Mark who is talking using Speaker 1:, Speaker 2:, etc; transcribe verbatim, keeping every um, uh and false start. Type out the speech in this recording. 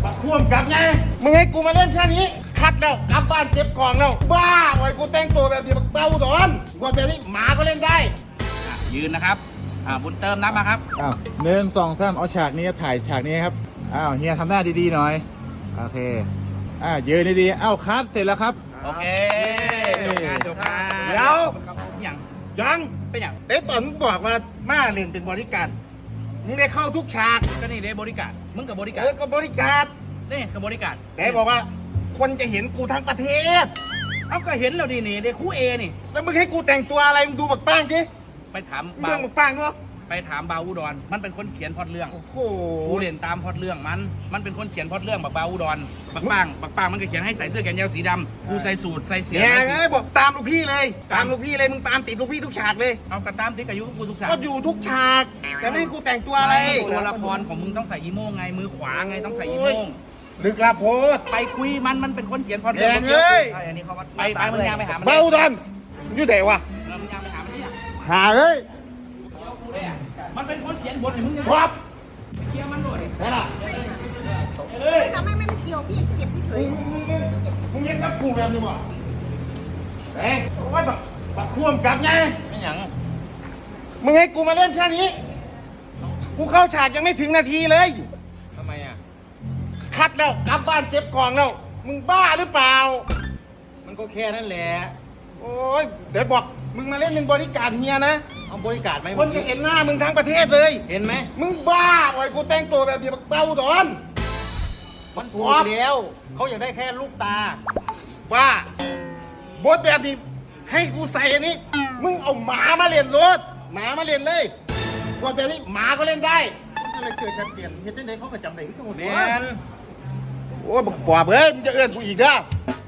Speaker 1: บักพ่วงกับไงมึงให้กูมาเล่นแค่นี้คัดแล้วกลับบ้านเก็บกล่องแล้วบ้าไว้กูแต่งตัวแบบนี้บักเต้าดอนกว่าแบบนี้หมาก็เล่นได้
Speaker 2: ยืนนะครับอ่าบุญเติมนับมาครับ
Speaker 3: อ้าวหนึ่งสองสามเอาฉากนี้ถ่ายฉากนี้ครับอ้าวเฮียทำหน้าดีๆหน่อยโอเคอ่ายืนดีๆอ้าวคัดเสร็จแล้วครับ
Speaker 2: โอเคจบงานจบงาน
Speaker 1: เดี๋ยว
Speaker 2: อย่าง
Speaker 1: ยัง
Speaker 2: เป็นอย่าง
Speaker 1: เอ๊ะตอนมึงบอกว่ามาเล่นเป็นบริการมึงได้เข้าทุกฉาก
Speaker 2: ก็นี่ได้บริการมึงกับบริการ
Speaker 1: เออก็บริการ
Speaker 2: นี่กับบริการ
Speaker 1: แต่บอกว่าคนจะเห็นกูทั้งประเทศ
Speaker 2: เอาก็เห็นแล้วดีนี่เด็กคู่เอนี่
Speaker 1: แล้วมึงให้กูแต่งตัวอะไรมึงดูบักป้างดิ
Speaker 2: ไปถาม
Speaker 1: เรื่องบักป้างเนาะ
Speaker 2: ไปถามบาอุดรมันเป็นคนเขียนพล็อตเรื่อง
Speaker 1: โอ้โห
Speaker 2: กูเรียนตามพล็อตเรื่องมันมันเป็นคนเขียนพล็อตเรื่องบักบาอุดรบักป้างบักป้างมันก็เขียนให้ใส่เสื้อแขนยาวสีดำกูใส่สูทใส่เสีย
Speaker 1: เนี่ยไงบอกตามลูกพี่เลยตามลูกพี่เลยมึงตามติดลูกพี่ทุกฉากเลย
Speaker 2: เอากระตามติดกับยุกูทุกฉาก
Speaker 1: ก็อยู่ทุกฉากแต่ไม่ให้กูแต่งตัวอะไร
Speaker 2: ตัวละครของมึงต้องใส่อีโม่งไงมือขวาไงต้องใส่อีโม่ง
Speaker 1: ลึกลับโพด
Speaker 2: ไปคุยมันมันเป็นคนเขียนพล็อตเรื่
Speaker 1: องเลย
Speaker 2: ไปไปมึงยังไปหามัน
Speaker 1: เบาดันมึงอยู่ไหนวะ
Speaker 2: มึงยังไปหามันที่
Speaker 1: หาเลย
Speaker 2: มันเป็นคนเขียนบทให้มึง
Speaker 1: ครับ
Speaker 2: ไปเคลียร์มันด้วย
Speaker 1: นั่นแหละ
Speaker 4: ทำไมไม่เกี่ยวพี่เก็บพี่เฉย
Speaker 1: มึงยังกับกูแบบนี้วะเอ๊ะว่าแบบแบบพ่วงกับไง
Speaker 2: ไม่หยัง
Speaker 1: มึงให้กูมาเล่นแค่นี้กูเข้าฉากยังไม่ถึงนาทีเลย
Speaker 2: ทำไมอ่ะ
Speaker 1: คัดแล้วกลับบ้านเก็บกล่องแล้วมึงบ้าหรือเปล่า
Speaker 2: มันก็แค่นั้นแหละ
Speaker 1: โอ้ยเดี๋ยวบอกมึงมาเล่นเป็นบริการเฮียนะ
Speaker 2: เอาบริการไหม
Speaker 1: คนจะเห็นหน้ามึงทั้งประเทศเลย
Speaker 2: เห็นไหม
Speaker 1: มึงบ้าไว้กูแต่งตัวแบบนี้บักเต้าดอน
Speaker 2: มันถูกแล้วเขาอยากได้แค่ลูกตา
Speaker 1: บ้าบทแบบนี้ให้กูใส่อันนี้มึงเอาหมามาเล่นรถหมามาเล่นเลยบทแบบนี้หมาก็เล่นได้อะไรเกิดชัดเจนเห็นได้เขาก็จำได้ทุกคนแมนโอ้ยบอกปอบเอ้ยมึงจะเอื้อนกูอีกนะ